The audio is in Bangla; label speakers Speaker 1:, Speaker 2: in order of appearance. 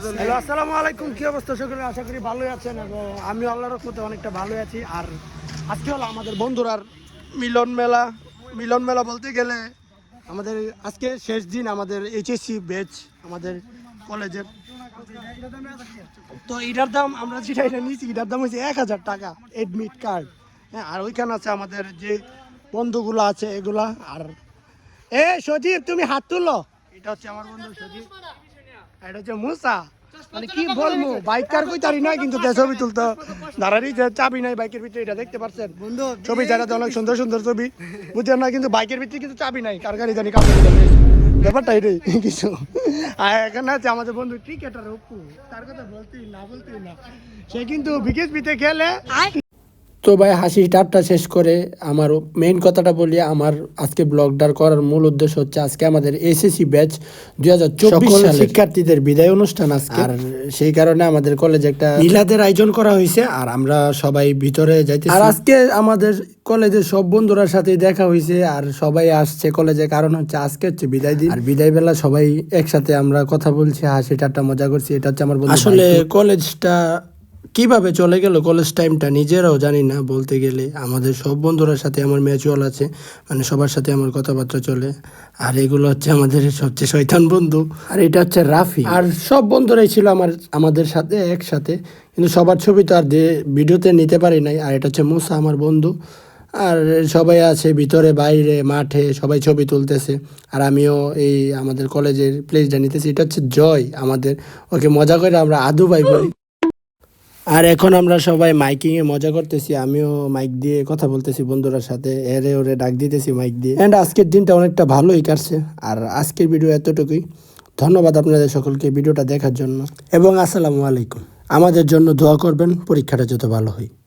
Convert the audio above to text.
Speaker 1: হ্যালো, আসসালামু আলাইকুম। কি অবস্থা সকলের? আশা করি ভালোই আছেন এবং আমি আল্লাহর রহমতে অনেকটা ভালোই আছি। আর আজকে হলো আমাদের বন্ধুরার মিলন মেলা বলতে গেলে আমাদের আজকে শেষ দিন আমাদের এইচএসসি ব্যাচ আমাদের কলেজের। তো এটার দাম আমরা যেটা এটা নিয়েছি এটার দাম হচ্ছে 1000 টাকা এডমিট কার্ড। হ্যাঁ, আর ওইখানে আছে আমাদের যে বন্ধুগুলো আছে এগুলা। আর সজীব তুমি হাত তুলো, এটা হচ্ছে আমার বন্ধু সজীব, এটা হচ্ছে মুসা। মানে কি বলবো, বাইকার কই তারি নয় কিন্তু ছবি তুলতো দাঁড়ারই যে চাবি নাই বাইকের ভিতরে, এটা দেখতে পাচ্ছেন বন্ধু ছবি জায়গাতে অনেক সুন্দর সুন্দর ছবি বুঝছেন না, কিন্তু বাইকের ভিতরে কিন্তু চাবি নাই, কার গাড়ি জানি কাপড় ব্যাপারটা এটাই কিছু। আর এখানে আছে আমাদের বন্ধু ক্রিকেটার অপু, তার কথা বলতেই না, সে কিন্তু বিকেএসপিতে খেলে।
Speaker 2: তো ভাই হাসি ঠাট্টা শেষ করে আমার মেইন কথাটা বলি। আমার আজকে ব্লগটার করার মূল উদ্দেশ্য হচ্ছে আজকে আমাদের এসএসসি ব্যাচ 2024 সালের শিক্ষার্থীদের বিদায় অনুষ্ঠান আজকে। আর সেই কারণে আমাদের কলেজে একটা মিলাদের আয়োজন করা হয়েছে আর আমরা সবাই ভিতরে যাইতেছি। আর আজকে আমাদের কলেজের সব বন্ধুরার সাথে দেখা হয়েছে আর সবাই আসছে কলেজে, কারণ হচ্ছে আজকে হচ্ছে বিদায় দিন। আর বিদায় বেলা সবাই একসাথে আমরা কথা বলছি, হাসি ঠাট্টা মজা করছি। এটা হচ্ছে আমার বন্ধু। আসলে কলেজটা কিভাবে চলে গেল কলেজ টাইমটা নিজেরাও জানি না বলতে গেলে। আমাদের সব বন্ধুরার সাথে আমার ম্যাচুয়াল আছে, মানে সবার সাথে আমার কথাবার্তা চলে। আর এগুলো হচ্ছে আমাদের সবচেয়ে শয়তান বন্ধু। আর এটা হচ্ছে রাফি। আর সব বন্ধুরাই ছিল আমাদের সাথে একসাথে, কিন্তু সবার ছবি তো আর ভিডিওতে নিতে পারি নাই। আর এটা হচ্ছে মুসা আমার বন্ধু। আর সবাই আছে ভিতরে বাইরে মাঠে, সবাই ছবি তুলতেছে। আর আমিও এই আমাদের কলেজের প্লেসটা নিতেছি। এটা হচ্ছে জয় আমাদের, ওকে মজা করে আমরা আদু ভাই বলি। আর এখন আমরা সবাই মাইকিংয়ে মজা করতেছি, আমিও মাইক দিয়ে কথা বলতেছি বন্ধুরার সাথে, এরে ওরে ডাক দিতেছি মাইক দিয়ে। অ্যান্ড আজকের দিনটা অনেকটা ভালোই কাটছে। আর আজকের ভিডিও এতটুকুই। ধন্যবাদ আপনাদের সকলকে ভিডিওটা দেখার জন্য এবং আসসালামু আলাইকুম। আমাদের জন্য দোয়া করবেন, পরীক্ষাটা যত ভালো হয়।